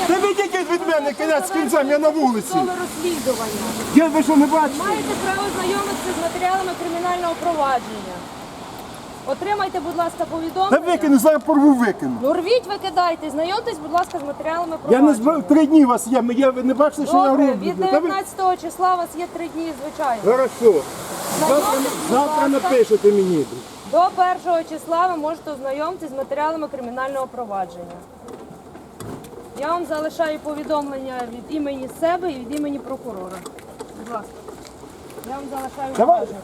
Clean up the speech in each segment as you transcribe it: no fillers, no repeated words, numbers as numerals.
Та відійдіть від мене, кінець з кінцем, я на вулиці. Розслідування. Ви що не бачите? Маєте право знайомитися з матеріалами кримінального провадження. Отримайте, будь ласка, Та повідомлення. викину, зараз порву викину. Ну рвіть, викидайте, знайомтесь, будь ласка, з матеріалами Я провадження. не збив, 3 дні у вас є, ви не бачите, що я Добре, роблю. від Та ви- 19 числа у вас є 3 дні, звичайно. Хорошо. Знайомтесь, будь Завтра ласка. напишете мені. До 1 числа ви можете ознайомитися з матеріалами кримінального провадження. Я вам залишаю повідомлення від імені себе і від імені прокурора. Будь ласка. Я вам залишаю Давай. бумажнику.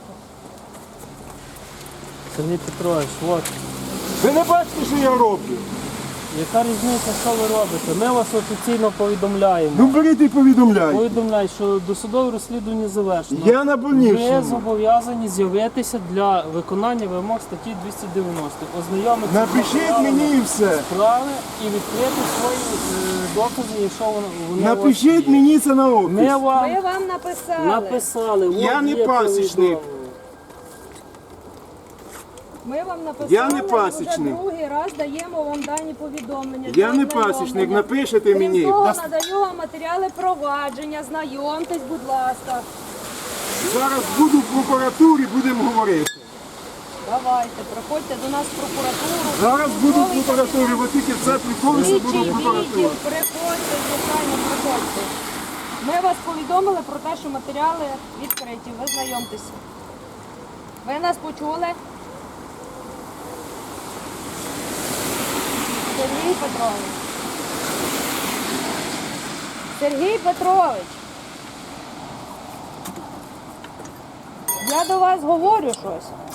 Сергій Петрович, от, Ви не бачите, що я роблю? яка різниця, що ви робите? Ми вас офіційно повідомляємо. Ну беріть і повідомляйте. Повідомляю, що досудове розслідування завершено. Я на Ви больничному. зобов'язані з'явитися для виконання вимог статті 290. Ознайомитися з Напишіть матеріалами мені і все. справи і відкрити свої докази, якщо вони у вас Напишіть є. мені це на Ми опис. Ми вам вам написали. написали. от Я не є пасічник. повідомлення. Ми вам написали, Я не і пасічник. вже другий раз даємо вам дані повідомлення. Я для не ознайомлення. пасічник, напишете мені. Крім того, Даст- надаю вам матеріали провадження, знайомтесь, будь ласка. Зараз буду в прокуратурі, будемо говорити. Давайте, приходьте до нас в прокуратуру. Зараз буду в прокуратурі, бо тільки це приколися, буду Слідчий в відділ, прокуратурі. приходьте, звичайно, приходьте. Ми вас повідомили про те, що матеріали відкриті, ви знайомтеся. Ви нас почули? Сергій Петрович. Сергій Петрович. Я до вас говорю щось.